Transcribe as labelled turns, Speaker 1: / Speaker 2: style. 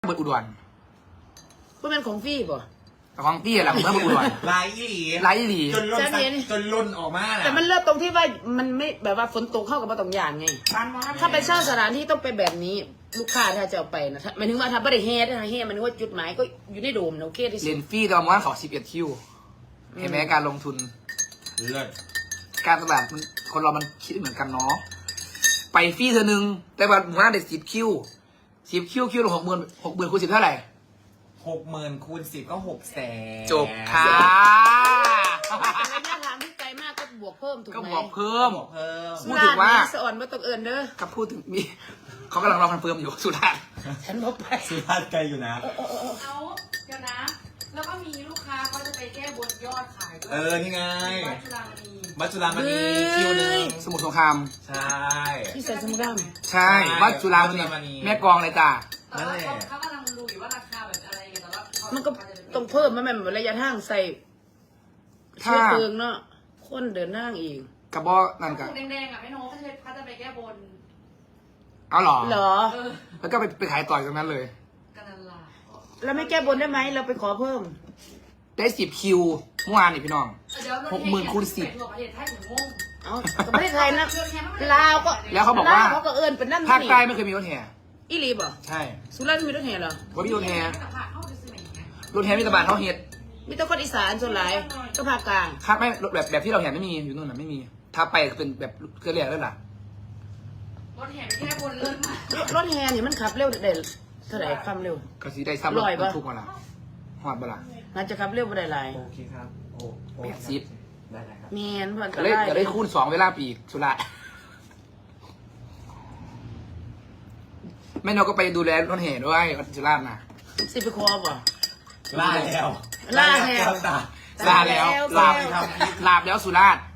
Speaker 1: เบิดอุดร
Speaker 2: พวกมันของพี่ป่ะ
Speaker 1: แต่ของพี่แหละผมเบิดอุดร
Speaker 3: ลายอีหลี
Speaker 1: ไลฟ์หลี
Speaker 3: จนล่นออกมา
Speaker 2: แต่มันเลิศตรงที่ว่ามันไม่แบบว่าฝนตกเข้ากับมาตรงอย่างไงถ้าไปเช่าสถานที่ต้องไปแบบนี้ลูกค้าถ้าจะเอาไปนะหมายถึงว่าถ้าไม่ได้เฮดนะเฮดมันนึกว่าจุดหมายก็อยู่ในโดมนะโอเคที่สุ
Speaker 1: เรีย
Speaker 2: ด
Speaker 1: นฟรีแต่ว่าเขา11 คิวเห็นไหมการลงทุน
Speaker 3: เลิศ
Speaker 1: การตลาดมันคนเรามันคิดไม่เหมือนกันเนาะไปฟรีเธอหนึ่งแต่ว่าหมู่บ้านเด็ก10 คิวคิวละ60,000คูณ10เท่าไหร่
Speaker 3: 60,000 คูณ 10 ก็ 600,000
Speaker 1: จบค่ะ
Speaker 2: ระยะทางที่ไกลมากก็บวกเพิ่มถูกไหม
Speaker 1: ก็บอกเพิ่ม
Speaker 3: บอกเพิ่ม
Speaker 1: พูดถึงว่า
Speaker 2: สะอ่อนว่าต้องเอินเด้อ
Speaker 1: ก็พูดถึงมีเขากำลังรอคอนเฟิร์มอยู่สุดท้าย
Speaker 2: ฉันบอกไป
Speaker 3: สุภาพไกลอยู่นะ
Speaker 4: เอาเดี๋ยวนะ แล้วก็มีลูกค้าเขาจะไปแก้บนยอดขายด้วย
Speaker 3: นี่ไง
Speaker 4: วัดจุฬามณี
Speaker 3: มัจจุรามณีคิวหนึ่ง
Speaker 1: สมุทรสงคราม
Speaker 3: ใช่
Speaker 2: ที่ใส่สมุดด
Speaker 1: ใช่วัดจุฬาม
Speaker 3: วัดจุฬามณี
Speaker 1: ณีแม่กลองเลยจ้า
Speaker 4: แต่ว่าเขากำลังดูอยู่ว่าราคาแบบอะไรแต่ว่าเขา
Speaker 2: ำมันก็ต้องเพิ่มมันแบบระยะทางใส่เชื้อเพลิงเนาะคนเดินทางอีก
Speaker 1: กระบอกนั่นกัน
Speaker 4: แดงๆอ่ะไม่โน้เขาจะไปแก้บน
Speaker 1: เอาเหรอ
Speaker 2: เหรอ
Speaker 4: เออ
Speaker 1: แล้วก็ไปขายต่อยตรงนั้นเลย
Speaker 4: กันนั่นล่ะ
Speaker 2: แล้วไม่แก้บนได้ไหมเราไปขอเพิ่ม
Speaker 1: ได้10 คิวเมื่อวานนี่พี่น้อง
Speaker 4: เดี๋ยว
Speaker 1: 60,000 คูณ 10
Speaker 4: ทั่วประเทศไทยถึงงง
Speaker 2: เอาก็ไม่ได้ไทยนะลาวก็
Speaker 1: แล้วเขาบอกว่า
Speaker 2: ลเขาก็เอินเป็นนั่น
Speaker 1: ภาค
Speaker 2: นี่
Speaker 1: ใต้ไม่เคยมีรถแห่
Speaker 2: อีหลีบ่
Speaker 1: ใช่
Speaker 2: สุราษฎร์มีรถแห่เหรอ
Speaker 1: ว่ามีรถแห่
Speaker 4: แต่ผ่านเข้าไปซื้อไหนไง
Speaker 1: รถแห่มีแตะบานเขาเฮ็ด
Speaker 2: มีแต่คนอีสานส่วนหลายก็ภาคกลาง
Speaker 1: ครับไม่แบบที่เราเห็นไม่มีอยู่นู่นน่ะไม่มี ถ้าไปเป็นแบบเครือเรียกแล้วล่ะ
Speaker 4: รถแห่ไปแก้บนเลิศมาก
Speaker 2: รถแห่นี่มันขับเร็วได้เท่าไหร่ความเร็ว
Speaker 1: ก็สิได้ซ้ำรถ
Speaker 2: ร้อยปะ
Speaker 1: ทุกวันละหอดบ่ล่ะ
Speaker 2: น่าจะขับเร็วบ่ได้หลาย
Speaker 3: โอเคครับโอ้
Speaker 1: 80
Speaker 3: ได้ครับ
Speaker 2: แมนเพื่อน
Speaker 1: ก็
Speaker 2: ก็
Speaker 1: เลย
Speaker 2: ได้
Speaker 1: ก็เลยคูณ2เวลาปีกสุราษฎร์แม่นกก็ไปดูแลรถแห่ด้วยสุราษฎร์น่ะ
Speaker 2: สิไปคอบ่
Speaker 3: ล่าแล้ว
Speaker 2: ล่าแล้ว
Speaker 3: ตา
Speaker 1: ลาแล้ว
Speaker 2: ลา
Speaker 1: ลา
Speaker 2: แล้ว
Speaker 1: ลาบแล้วสุราษฎร์